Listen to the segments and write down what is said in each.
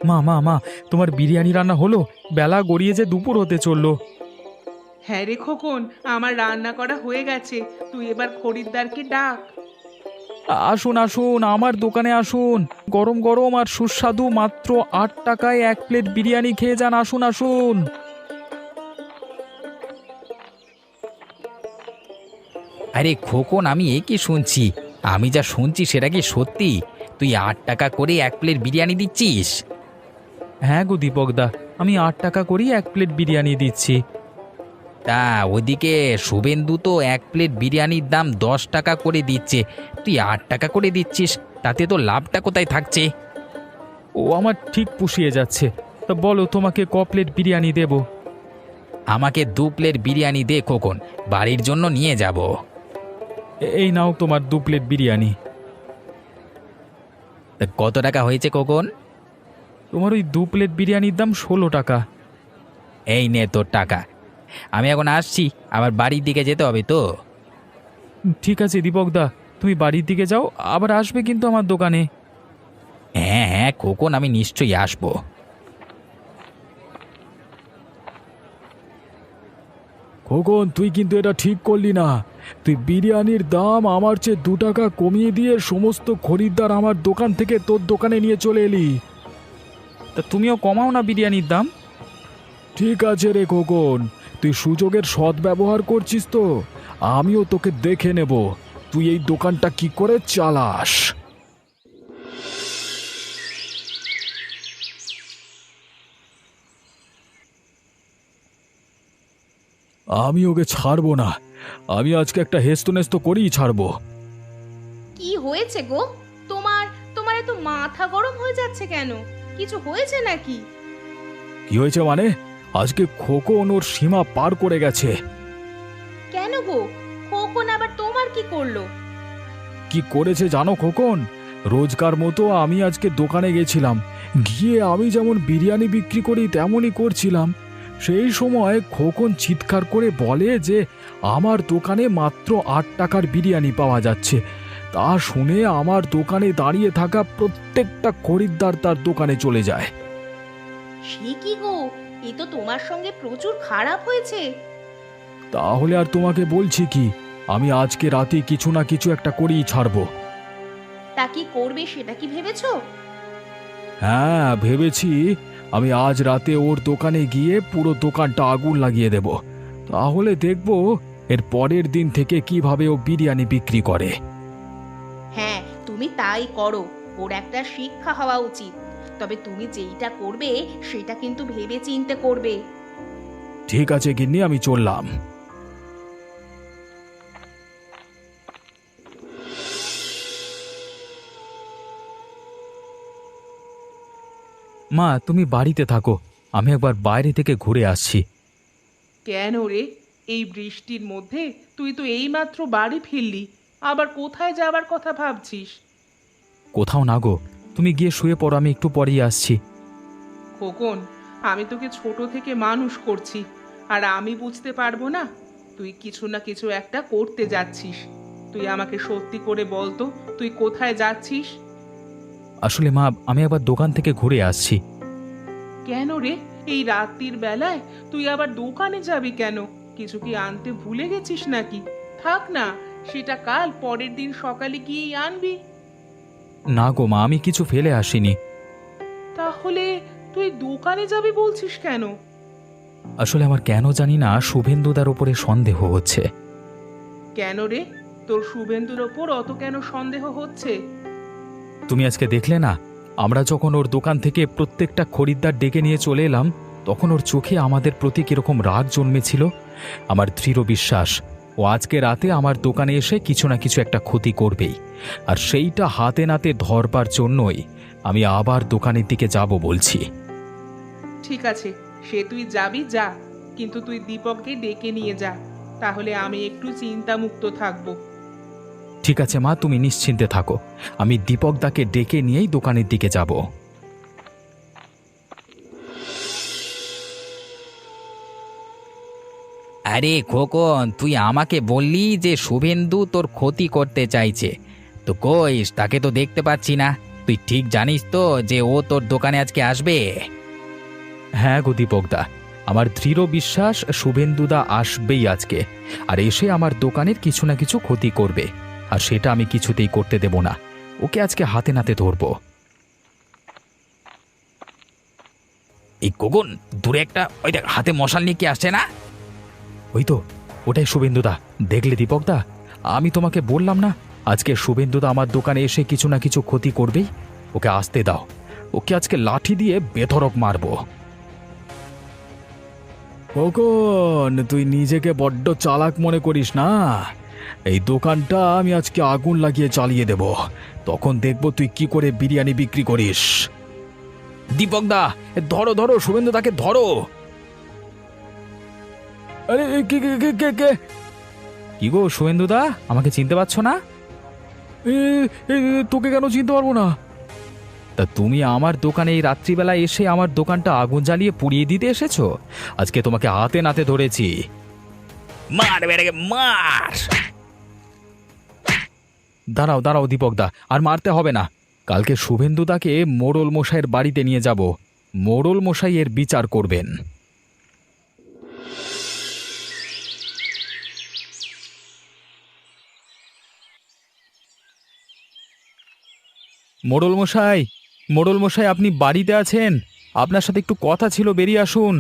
মা মা মা, তোমার বিরিয়ানি রান্না হলো? বেলা গড়িয়ে যে দুপুর হতে চললো। হ্যাঁ রে খোকন, আমার রান্না করা হয়ে গেছে। তুই এবার খরিদ্দারকে ডাক। আসুন আসুন, আমার দোকানে আসুন। গরম গরম আর সুস্বাদু, মাত্র 8 টাকায় 1 প্লেট বিরিয়ানি খেয়ে যান। আসুন আসুন। আরে খোকন, আমি এ কি শুনছি? আমি যা শুনছি সেটা কি সত্যি? তুই 8 টাকা করে 1 প্লেট বিরিয়ানি দিচ্ছিস? হ্যাঁ গো দীপকদা, আমি 8 টাকা করেই 1 প্লেট বিরিয়ানি দিচ্ছি। তা ওদিকে শুভেন্দু তো 1 প্লেট বিরিয়ানির দাম 10 টাকা করে দিচ্ছে, তুই 8 টাকা করে দিচ্ছিস, তাতে তো লাভটা কোথায় থাকছে? ও আমার ঠিক পুষিয়ে যাচ্ছে। তা বলো, তোমাকে ক প্লেট বিরিয়ানি দেব? আমাকে 2 প্লেট বিরিয়ানি দে খোকন, বাড়ির জন্য নিয়ে যাব। এই নাও তোমার 2 প্লেট বিরিয়ানি। তা কত টাকা হয়েছে খোকন? তোমার ওই 2 প্লেট বিরিয়ানির দাম 16 টাকা। এই নে তোর টাকা। আমি এখন আসছি, আবার বাড়ির দিকে যেতে হবে তো। ঠিক আছে দীপকদা, তুমি বাড়ির দিকে যাও, আবার আসবে কিন্তু আমার দোকানে। হ্যাঁ হ্যাঁ খোকন, আমি নিশ্চয়ই আসবো। খোকন, তুই কিন্তু এটা ঠিক করলি না। তুই বিরিয়ানির দাম আমার চেয়ে 2 টাকা কমিয়ে দিয়ে সমস্ত খরিদ্দার আমার দোকান থেকে তোর দোকানে নিয়ে চলে এলি। তা তুমিও কমাও না বিরিয়ানির দাম। ঠিক আছে রে খোকন, তুই সুযোগের সদ্ব্যবহার করছিস তো। আমিও তোকে দেখে নেব তুই এই দোকানটা কি করে চালাস। আমি ওকে ছাড়বো না। আমি আজকে একটা হেস্তনেস্ত করেই ছাড়বো। কি হয়েছে গো? তোমার তোমার এত মাথা গরম হয়ে যাচ্ছে কেন? কিছু হয়েছে নাকি? কি হয়েছে মানে? আজকে খোকন ওর সীমা পার করে গেছে। কেন গো? খোকন আবার তোমার কি করলো? কি করেছে জানো খোকন? রোজকার মতো আমি আজকে দোকানে গেছিলাম, গিয়ে আমি যেমন বিরিয়ানি বিক্রি করি তেমনই করছিলাম। সেই সময় খোকন চিৎকার করে বলে যে আমার দোকানে মাত্র 8 টাকার বিরিয়ানি পাওয়া যাচ্ছে। তা শুনে আমার দোকানে দাঁড়িয়ে থাকা প্রত্যেকটা খরিদ্দার তার দোকানে চলে যায়। সে কি গো? এ তো তোমার সঙ্গে প্রচুর খারাপ হয়েছে। তাহলে আর তোমাকে বলছি কি, আমি আজকে রাতে কিছু না কিছু একটা করেই ছাড়বো। তা কি করবে সেটা কি ভেবেছো? হ্যাঁ ভেবেছি, আমি আজ রাতে ওর দোকানে গিয়ে পুরো দোকানটা আগুন লাগিয়ে দেব। তাহলে দেখব এর পরের দিন থেকে কিভাবে ও বিরিয়ানি বিক্রি করে। হ্যাঁ, তুমি তাই করো। ওর একটা শিক্ষা হওয়া উচিত। তবে তুমি যেইটা করবে সেটা কিন্তু ভেবে চিন্তে করবে। ঠিক আছে গিন্নি, আমি চললাম। মা, তুমি বাড়িতে থাকো, আমি একবার বাইরে থেকে ঘুরে আসছি। কেন রে, এই বৃষ্টির মধ্যে তুই তো এইমাত্র বাড়ি ফিরলি, আবার কোথায় যাবার কথা ভাবছিস? কোথাও না গো, তুমি গিয়ে শুয়ে পড়ো, আমি একটু পরেই আসছি। খোকন, আমি তোকে ছোট থেকে মানুষ করছি, আর আমি বুঝতে পারবো না? তুই কিছু না কিছু একটা করতে যাচ্ছিস। তুই আমাকে সত্যি করে বল তো, তুই কোথায় যাচ্ছিস? আসলে মা, আমি একবার দোকান থেকে ঘুরে আসছি। কেন রে, এই রাত্রির বেলায় তুই আবার দোকানে যাবি কেন? কিছু কি আনতে ভুলে গেছিস নাকি? থাক না, সেটা কাল পরের দিন সকালে গিয়েই আনবি। না গো মা, আমি কিছু ফেলে আসিনি। তাহলে তুই দোকানে যাবি বলছিস কেন? আসলে আমার কেন জানি না শুভেন্দুদার উপরে সন্দেহ হচ্ছে। কেন রে, তোর শুভেন্দুর ওপর অত কেন সন্দেহ হচ্ছে? তুমি আজকে দেখলে না, আমরা যখন ওর দোকান থেকে প্রত্যেকটা খরিদ্দার ডেকে নিয়ে চলে এলাম, তখন ওর চোখে আমাদের প্রতি কিরকম রাগ জন্মেছিল। আমার দৃঢ় বিশ্বাস ও আজকে রাতে আমার দোকানে এসে কিছু না কিছু একটা ক্ষতি করবেই, আর সেইটা হাতে নাতে ধরবার জন্যই আমি আবার দোকানের দিকে যাব বলছি। ঠিক আছে, সে তুই যাবি যা, কিন্তু তুই দীপককে ডেকে নিয়ে যা, তাহলে আমি একটু চিন্তামুক্ত থাকবো। ঠিক আছে মা, তুমি নিশ্চিন্তে থাকো, আমি দীপকদাকে ডেকে নিয়েই দোকানের দিকে যাব। আরে খোকন, তুই আমাকে বললি যে শুভেন্দু তোর ক্ষতি করতে চাইছে, তো কইস তাকে তো দেখতে পাচ্ছি না। তুই ঠিক জানিস তো যে ও তোর দোকানে আজকে আসবে? হ্যাঁ গো দীপকদা, আমার দৃঢ় বিশ্বাস শুভেন্দুদা আসবেই আজকে, আর এসে আমার দোকানের কিছু না কিছু ক্ষতি করবে, আর সেটা আমি কিছুতেই করতে দেব না। ওকে আজকে হাতে নাতে ধরবো। এই গগন, দূরে একটা ওই দেখ হাতে মশাল নিয়ে কি আসছে না? ওই তো, ওটাই শুভেন্দুদা। দেখলে দীপকদা, আমি তোমাকে বললাম না আজকে শুভেন্দুদা আমার দোকানে এসে কিছু না কিছু ক্ষতি করবেই। ওকে আসতে দাও, ওকে আজকে লাঠি দিয়ে বেধড়ক মারবো। খোকন, তুই নিজেকে বড্ড চালাক মনে করিস না? এই দোকানটা আমি আজকে আগুন লাগিয়ে চালিয়ে দেব, তখন দেখব তুই কি করে বিরিয়ানি বিক্রি করিস। দীপকদা, ধরো ধরো, শুভেন্দুদাকে ধরো। আরে কে কে কে কে কে? কি গো শুভেন্দুদা, আমাকে চিনতে পারছো না? এ, এ, তোকে কেন চিনতে পারবো না? তা তুমি আমার দোকানে এই রাত্রিবেলা এসে আমার দোকানটা আগুন জ্বালিয়ে পুড়িয়ে দিতে এসেছো। আজকে তোমাকে হাতে নাতে ধরেছি। মার বেড়ে মার! দাঁড়াও দাঁড়াও দীপকদা, আর মারতে হবে না। কালকে শুভেন্দুদাকে মোড়ল মশাইয়ের বাড়িতে নিয়ে যাব, মোড়ল মশাই এর বিচার করবেন। মোড়ল মশাই, মোড়ল মশাই, আপনি বাড়িতে আছেন? আপনার সাথে একটু কথা ছিল, বেরিয়ে আসুন।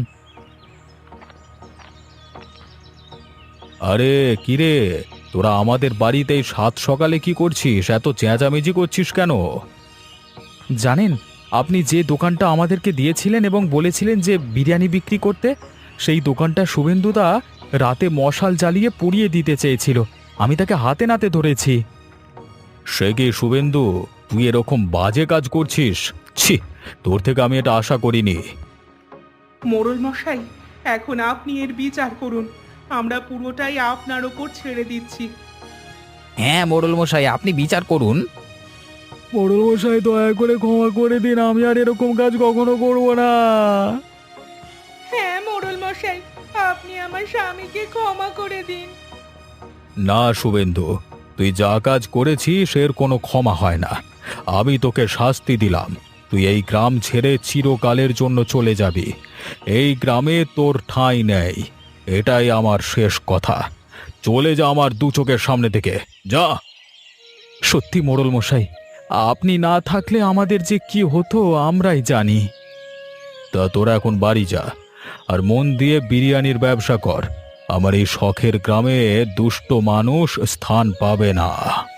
আরে কিরে, তোরা আমাদের বাড়িতে এই সাত সকালে কি করছিস? এত চেঁচামেচি করছিস কেন? জানেন, আপনি যে দোকানটা আমাদেরকে দিয়েছিলেন এবং বলেছিলেন যে বিরিয়ানি বিক্রি করতে, সেই দোকানটা শুভেন্দুদা রাতে মশাল জ্বালিয়ে পুড়িয়ে দিতে চেয়েছিল। আমি তাকে হাতে নাতে ধরেছি। সে কি শুভেন্দু, তুই এরকম বাজে কাজ করছিস? ছি, তোর থেকে আমি এটা আশা করিনি। মোড়ল মশাই, এখন আপনি এর বিচার করুন। আমরা পুরোটাই আপনার ওপর ছেড়ে দিচ্ছি। হ্যাঁ মোড়ল মশাই, আপনি বিচার করুন। মোড়ল মশাই, দয়া করে ক্ষমা করে দিন, আমি আর এরকম কাজ কখনো করব না। হ্যাঁ মোড়ল মশাই, আপনি আমার স্বামীকে ক্ষমা করে দিন। না শুভেন্দু, তুই যা কাজ করেছিস এর কোনো ক্ষমা হয় না। আমি তোকে শাস্তি দিলাম, তুই এই গ্রাম ছেড়ে চিরকালের জন্য চলে যাবি। এই গ্রামে তোর ঠাঁই নেই, এটাই আমার শেষ কথা। চলে যা আমার দু চোখের সামনে থেকে, যা। সত্যি মোড়ল মশাই, আপনি না থাকলে আমাদের যে কি হতো আমরাই জানি। তা তোরা এখন বাড়ি যা, আর মন দিয়ে বিরিয়ানির ব্যবসা কর। আমার এই শখের গ্রামে দুষ্ট মানুষ স্থান পাবে না।